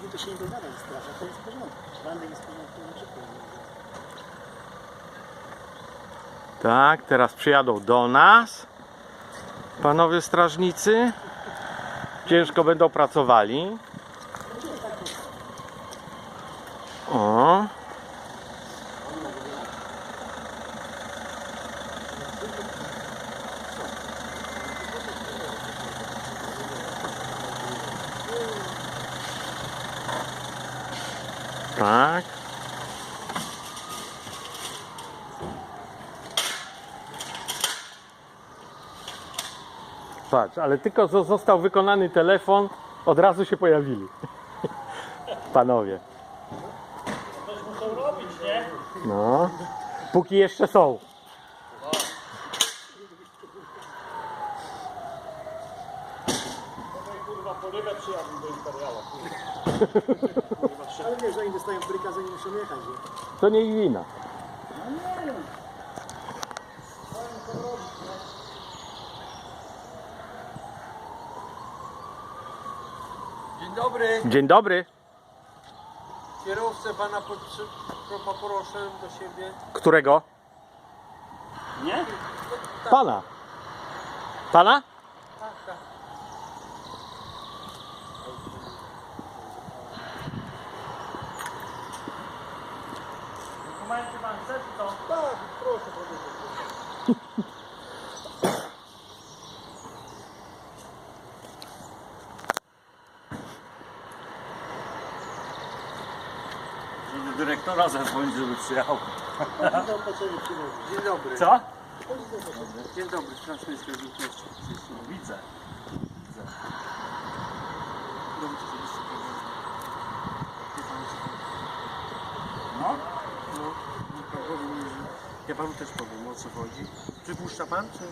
nimi to się nie dogada ze strażą, to jest w porządku. Bandek jest w porządku, nie czekaj. Tak, teraz przyjadą do nas panowie strażnicy. Ciężko będą pracowali. O. Tak. Patrz, ale tylko został wykonany telefon, od razu się pojawili. Panowie. Coś muszą robić, nie? No. Póki jeszcze są. Kurwa, po rybę przyjadę do Imperiala. Ale wiesz, oni dostają bryka, zanim muszą jechać, nie? To nie ich wina. Dzień dobry, Dzień dobry. kierowcę pana poproszę do siebie. Którego? Nie? Pana. Pana? Tak, tak. Dokumenty pan chce, czy co? Tak, proszę powiedzieć. Do dyrektora zadzwonić, żeby przyjechał. Dzień dobry. Co? Dzień dobry, Straż Miejska Wilkowości. Widzę. No? No, powiem, że ja panu też powiem, o co chodzi. Przypuszcza pan, czy?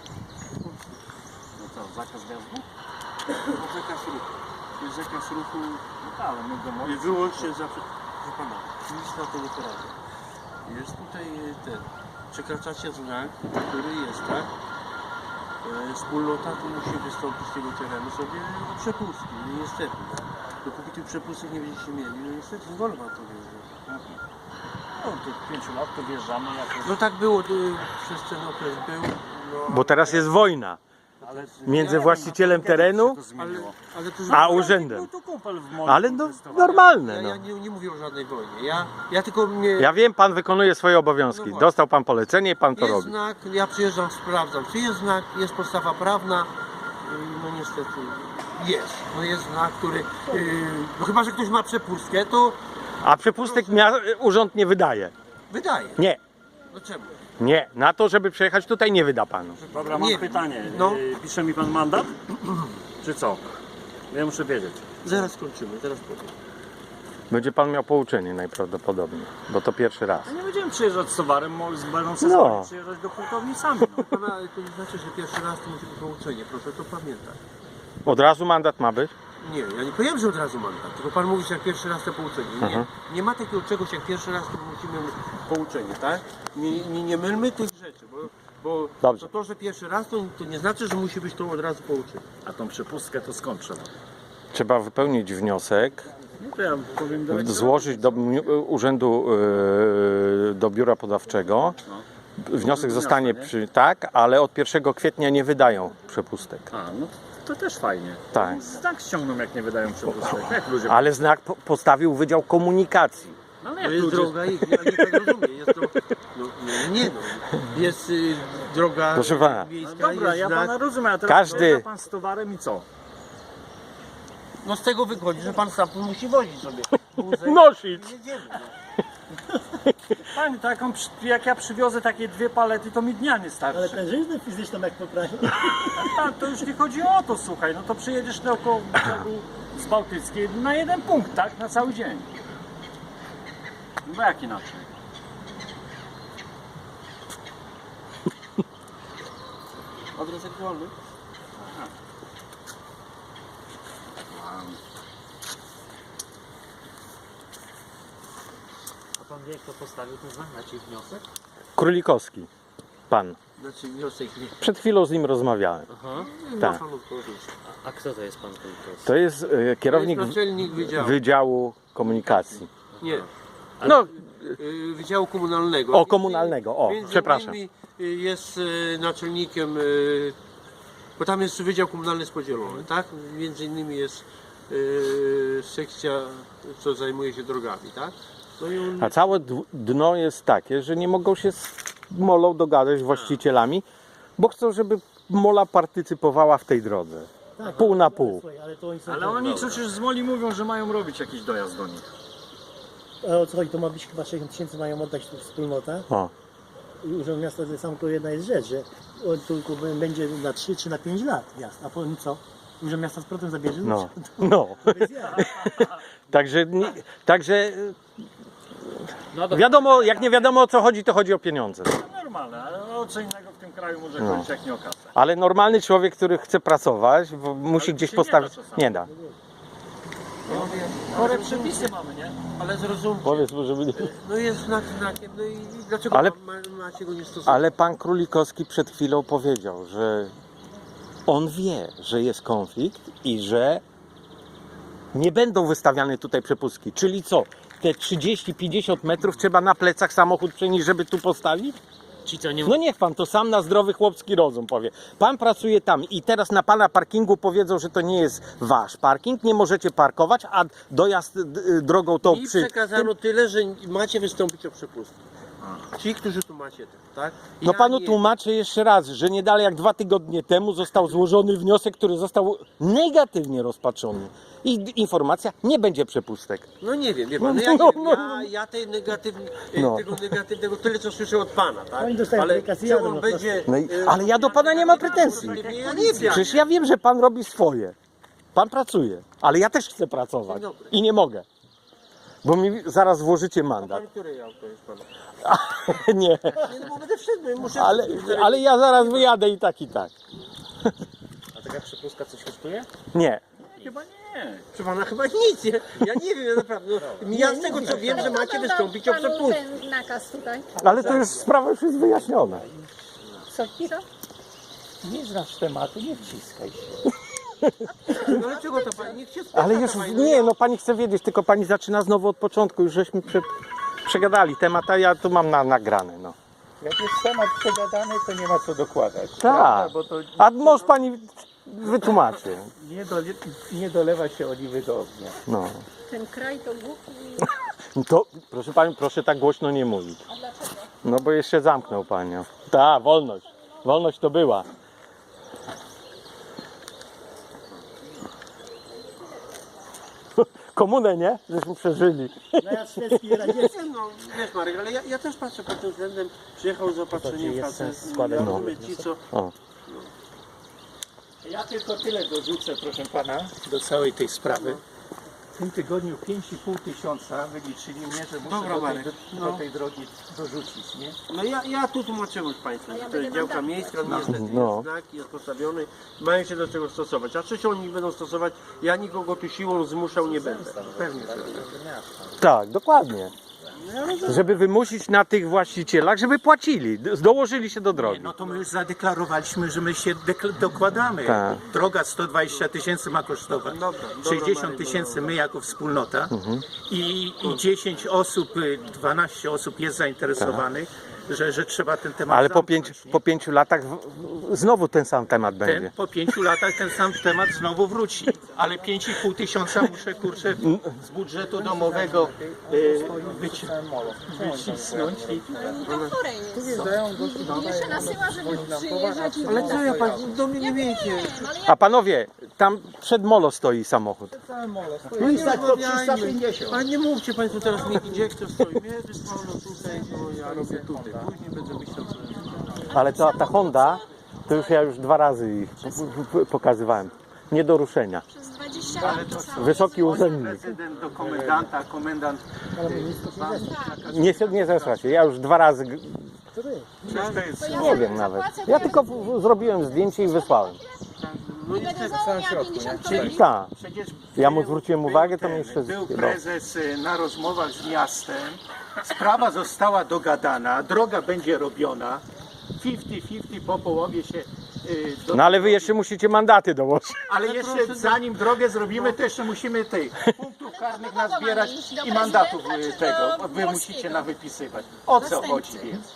No co, zakaz wjazdu? No, zakaz ruchu. Jest zakaz ruchu No ale my go możemy. wyłącznie za... Proszę pana, nic na to nie poradzę. Jest tutaj ten... Przekraczacie znak, który jest, tak? Wspólnota tu musi wystąpić z tego terenu sobie o przepustki. No niestety, tak? Dopóki tych przepustek nie będziecie mieli, no niestety nie wolno wam to wjeżdżać. No, tych 5 lat to wjeżdżamy jako... No tak było, przez ten okres był. No, Bo teraz jest wojna Ale między właścicielem terenu ale to a urzędem. Był tu kumpel w moim Ale no normalne. ja No. nie mówię o żadnej wojnie. Ja tylko mnie. Ja wiem, pan wykonuje swoje obowiązki. No właśnie. Dostał pan polecenie i pan to Jest robi. znak, ja przyjeżdżam, sprawdzam, czy jest znak, jest podstawa prawna. No niestety jest. No jest znak, który. No chyba, że ktoś ma przepustkę, to A przepustek urząd nie wydaje. wydaje. Nie, No czemu? nie. Na to, żeby przejechać tutaj nie wyda panu. Dobra, mam Nie. pytanie. No. Pisze mi pan mandat? Czy co? Ja muszę wiedzieć. Zaraz skończymy, zaraz powiem. Będzie pan miał pouczenie najprawdopodobniej, bo to pierwszy raz. A nie będziemy przyjeżdżać z towarem, będą sobie No. przyjeżdżać do hurtowni sami. No. Pana, to nie znaczy, że pierwszy raz to musi być pouczenie, proszę to pamiętać. Od razu mandat ma być? Nie, ja nie powiedziałem, że od razu mandat, tylko pan mówi, że jak pierwszy raz to pouczenie. Nie, nie ma takiego czegoś jak pierwszy raz to musimy pouczenie, tak? Nie mylmy tych rzeczy, bo Dobrze. to, że pierwszy raz to nie znaczy, że musi być to od razu pouczenie. A tą przepustkę to skąd trzeba? Trzeba wypełnić wniosek, No to ja powiem do złożyć do urzędu, do biura podawczego. Wniosek zostanie tak, ale od 1 kwietnia nie wydają przepustek. A, no to też fajnie. Tak. Znak ściągną, jak nie wydają przepustek. Jak ludzie... Ale znak postawił Wydział Komunikacji. No ale To jak jest ludzie... droga i ja nie tak rozumiem, jest to, jest droga Proszę pana. No miejska, dobra, jest ja znak. pana rozumiem, a teraz Każdy- przyjeżdża pan z towarem i co? No z tego wychodzi, że pan stamtąd musi wozić sobie. Nosić. Jedziemy, no. Pani, taką, jak ja przywiozę takie 2 palety, to mi dnia nie Ale starczy. tężyznę fizyczną jak poprawi. A to już nie chodzi o to, słuchaj, no to przyjedziesz naokoło brzegu z Bałtyckiej na 1 punkt, tak? Na cały dzień. No jak inaczej? Adres aktualny? A pan wie, kto postawił ten znak na ci wniosek? Królikowski. Pan. Znaczy wniosek nie. Przed chwilą z nim rozmawiałem. Aha. Tak. Ma pan odpowiedzieć. A kto to jest pan Kulikowski? To jest kierownik To jest naczelnik wydziału. Wydziału Komunikacji. Nie. No, Wydziału Komunalnego. o, komunalnego, o, Między przepraszam. innymi jest naczelnikiem, bo tam jest Wydział Komunalny jest podzielony, tak? Między innymi jest sekcja, co zajmuje się drogami, tak? No i on, A całe dno jest takie, że nie mogą się z molą dogadać z właścicielami, bo chcą, żeby mola partycypowała w tej drodze. Tak, Pół na pół. Słuchaj, ale to oni są Ale oni przecież z Moli mówią, że mają robić jakiś dojazd do nich. A o co chodzi, to ma być chyba 60 tysięcy mają oddać tu wspólnota. O. I Urząd Miasta to sam to jedna jest rzecz, że on tylko będzie na 3 czy na 5 lat miasta. A potem co? Urząd Miasta z protem zabierze? No, no. Bez jaj. Także No dobra. wiadomo, jak nie wiadomo o co chodzi, to chodzi o pieniądze. Normalne, ale o co innego w tym kraju może chodzić jak nie o kasę. Ale normalny człowiek, który chce pracować, musi Ale gdzieś się postawić. nie da czasami. Nie da. Chore przepisy mamy, nie? ale zrozumcie, Powiedz mu, żeby nie... no jest znak znakiem, no i dlaczego Ale- macie go nie stosować? Ale pan Królikowski przed chwilą powiedział, że on wie, że jest konflikt i że nie będą wystawiane tutaj przepustki. Czyli co? Te 30-50 metrów trzeba na plecach samochód przenieść, żeby tu postawić? Ci co nie No niech pan to sam na zdrowy chłopski rozum powie. Pan pracuje tam i teraz na pana parkingu powiedzą, że to nie jest wasz parking, nie możecie parkować, a dojazd drogą tą I przy... przekazano tyle, że macie wystąpić o przepustkę. Ci, którzy tu macie, tak? No Ja panu nie- tłumaczę jeszcze raz, że nie dalej jak 2 tygodnie temu został złożony wniosek, który został negatywnie rozpatrzony. I informacja, nie będzie przepustek. No nie wiem, wie pan, No, ja, nie no, wiem, no. ja tej No. tego negatywnego tyle co słyszę od pana, tak? Oni dostają Ale aplikację, czy jadą, on no będzie... No ale ja do pana nie mam pretensji. Ja nie wiem. Przecież ja wiem, że pan robi swoje. Pan pracuje, ale ja też chcę pracować Dzień dobry. i nie mogę. Bo mi zaraz włożycie Pan, mandat. które auto jest pan? Nie, Nie, no bo będę wszedł, no, muszę... ale ja zaraz wyjadę i tak, i tak. A taka przepustka coś kosztuje? Nie. Chyba nie. Proszę pana, chyba nic, nie? Ja nie wiem, ja naprawdę. No, ja z tego co wiem, że macie wystąpić o przepustkę. ten nakaz tutaj. Ale to już sprawa już jest wyjaśniona. Co? Nie znasz tematu, nie wciskaj się. No ale czego to pani? Niech się spotka Ale już pani, nie, no pani chce wiedzieć, tylko pani zaczyna znowu od początku. Już żeśmy przegadali temat, a ja tu mam nagrane. No. Jak jest temat przegadany, to nie ma co dokładać. Tak. prawda? Bo to A może pani wytłumaczy. nie dolewa się oliwy do ognia. No. Ten kraj to głupi. To, proszę pani, proszę tak głośno nie mówić. A dlaczego? No bo jeszcze zamknął panią. Tak, wolność. Wolność to była. Komunę, nie? Żeśmy przeżyli. No ja szwedzki i radziecki. No, wiesz Marek, ale ja też patrzę pod tym względem, przyjechał z opatrzeniem jest facet, sens składać No. ci co... O. Ja tylko tyle dorzucę, proszę pana, do całej tej sprawy. W tym tygodniu 5,5 tysiąca wyliczyli mnie, że muszę Dobra, Marek, do tej drogi dorzucić, nie? No ja tu tłumaczyłem już Państwu, że to jest działka miejska, niestety No. jest znak, jest postawiony, mają się do tego stosować. A czy się oni będą stosować, ja nikogo tu siłą zmuszał nie będę. Pewnie. Tak, dokładnie. Żeby wymusić na tych właścicielach, żeby płacili, dołożyli się do drogi. No to my już zadeklarowaliśmy, że my się dokładamy. Tak. Droga 120 tysięcy ma kosztować. Dobra, 60 tysięcy my jako wspólnota i 10 osób, 12 osób jest zainteresowanych, że trzeba ten temat Ale zamknąć, nie? po 5 latach znowu ten sam temat będzie. Po 5 latach ten sam temat znowu wróci. Ale 5,5 tysiąca muszę kurczę z budżetu domowego wycisnąć. To chore jest. Jeszcze nasyła, żeby przyjeżdżać i Ale co ja Pan, do mnie nie wiecie. wiem, ale A panowie, tam przed molo stoi samochód. No i tak to 350. Ale nie mówcie Państwo teraz mi, gdzie kto stoi. Mnie wysłano tutaj, no ja robię tutaj. Później będę myślał co. Ale ta Honda, to już ja 2 razy ich pokazywałem. Nie do ruszenia. przez 20 lat to samo. Wysoki urzędnik. Prezydent do komendanta, komendant Nie zesra się. Ja już 2 razy, przecież to jest... nie wiem nawet. Ja tylko zrobiłem zdjęcie i wysłałem. No I będę za Unię 50 kolei. Tak. Przecież Ja mu zwróciłem uwagę, to był mnie jeszcze... Był no. prezes na rozmowach z miastem, sprawa została dogadana, droga będzie robiona. 50-50 po połowie się No ale wy jeszcze musicie mandaty dołożyć. ale jeszcze zanim drogę zrobimy, to jeszcze musimy tych punktów karnych nazbierać iść? Do i mandatów prezydenta czy tego do wy musicie Dmowskiego? nawypisywać. O co Zastępcy. chodzi więc?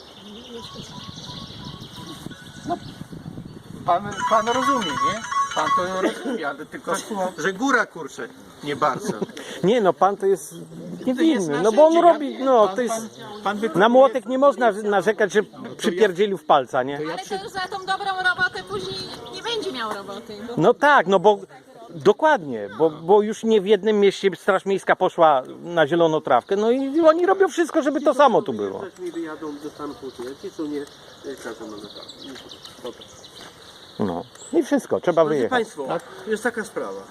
No, pan rozumie, nie? Pan to rozumie, ale tylko, że góra kurczę, nie bardzo. Nie no, pan to jest To jest niewinny, no bo on narzędzie. robi, no to jest... Pan Na młotek nie można narzekać, że przypierdzielił w palca, nie? Ale to już za tą dobrą robotę później nie będzie miał roboty. Bo No tak, no bo dokładnie, bo już nie w jednym mieście Straż Miejska poszła na zieloną trawkę, no i oni robią wszystko, żeby to samo tu było. Też mi wyjadą, dostaną półtorej, ci co nie, każą mandatami. Dobra. No i wszystko, trzeba Drodzy wyjechać. Państwo, jest taka sprawa.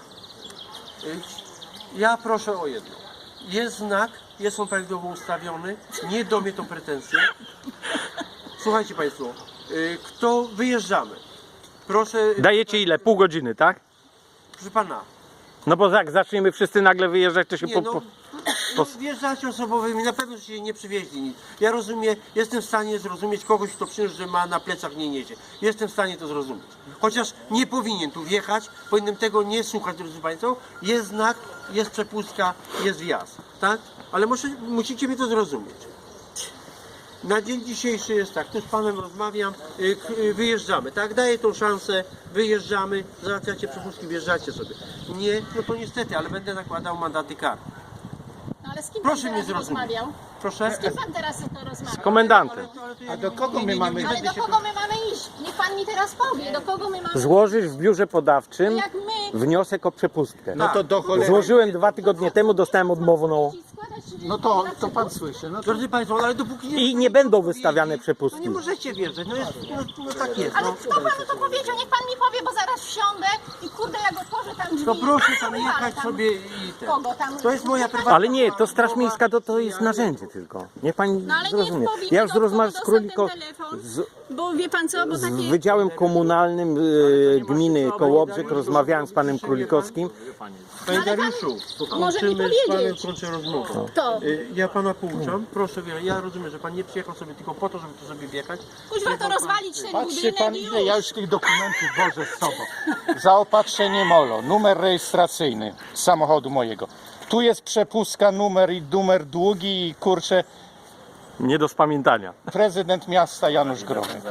Ja proszę o jedno. Jest znak, jest on prawidłowo ustawiony, nie do mnie to pretensje. Słuchajcie Państwo, kto wyjeżdżamy? Proszę, Dajecie ile? Pół godziny, tak? proszę Pana, No bo jak zaczniemy wszyscy nagle wyjeżdżać, to się nie no, po... wjeżdżacie osobowymi, na pewno się nie przywieźli nic. Ja rozumiem, jestem w stanie zrozumieć kogoś, kto przyniósł, że ma na plecach nie niesie. Jestem w stanie to zrozumieć. Chociaż nie powinien tu wjechać, powinienem tego nie słuchać, drodzy Państwo. Jest znak, jest przepustka, jest wjazd, tak? Ale musicie mi to zrozumieć. Na dzień dzisiejszy jest tak, tu z Panem rozmawiam, wyjeżdżamy, tak? Daję tą szansę, wyjeżdżamy, załatwiacie przepustki, wjeżdżacie sobie. Nie, no to niestety, ale będę nakładał mandaty karne. No ale z kim Proszę pan mnie teraz zrozumieć. rozmawiał? Proszę? Z kim pan teraz to rozmawiał? Z komendantem. A do kogo my mamy? Ale do kogo my mamy iść? Niech pan mi teraz powie, do kogo my mamy Złożyć w biurze podawczym Jak my wniosek o przepustkę. No to do cholery. Złożyłem 2 tygodnie temu, dostałem odmowną składać... No to pan słyszy. No to Drodzy Państwo, ale dopóki nie... i nie będą wystawiane No przepustki. nie możecie wjeżdżać, no tak jest. Ale No. kto panu to powiedział? Niech pan mi powie, bo zaraz wsiądę i kurde, jak otworzę tam drzwi... To proszę tam wywalę jechać tam sobie i ten. Kogo tam? To jest moja prywatna... Ale nie, to Straż Miejska to jest narzędzie tylko. Niech pani No ale zrozumie. niech powie, Ja już do kogo rozmawiam z dostał ten Króliko, telefon. z Bo wie pan co, bo z takie... Wydziałem Komunalnym gminy Kołobrzeg, rozmawiałem z panem Królikowskim. Panie Dariuszu, może mi kończymy z Panem powiedzieć. kończę rozmowę. To. Ja Pana pouczam, proszę, ja rozumiem, że Pan nie przyjechał sobie tylko po to, żeby tu sobie wjechać. Kuźwa to rozwalić ten patrzy budynek pan, i ile już. ja już tych dokumentów wożę z sobą. Zaopatrzenie MOLO, numer rejestracyjny samochodu mojego. Tu jest przepustka, numer i numer długi i kurczę, Nie do spamiętania. prezydent miasta Janusz Gromy.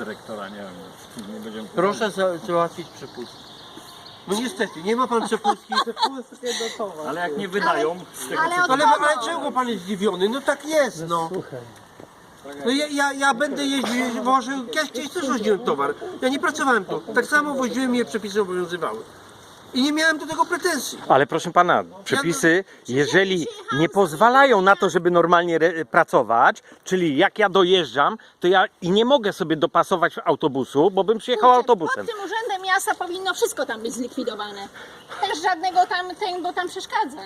Proszę załatwić przepustkę. No niestety, nie ma Pan przepustki. Ale jak nie wydają z tego Ale od Ale kogo? czego Pan jest zdziwiony? No tak jest, no. No ja będę jeździł, wożył, ja kiedyś też woziłem towar. Ja nie pracowałem tu. Tak samo woziłem i je przepisy obowiązywały. I nie miałem do tego pretensji. Ale proszę pana, przepisy, jeżeli nie pozwalają na to, żeby normalnie pracować, czyli jak ja dojeżdżam, to ja i nie mogę sobie dopasować autobusu, bo bym przyjechał autobusem. Pod tym urzędem miasta powinno wszystko tam być zlikwidowane. Też żadnego tam, bo tam przeszkadza.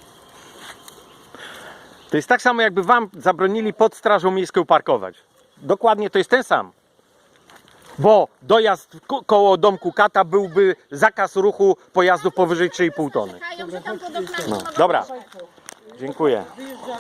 To jest tak samo, jakby wam zabronili pod Strażą Miejską parkować. Dokładnie to jest ten sam. Bo dojazd koło domku Kata byłby zakaz ruchu pojazdów powyżej 3,5 tony. Czekają, że tam pod oknami No, mogą- dobra. Dziękuję.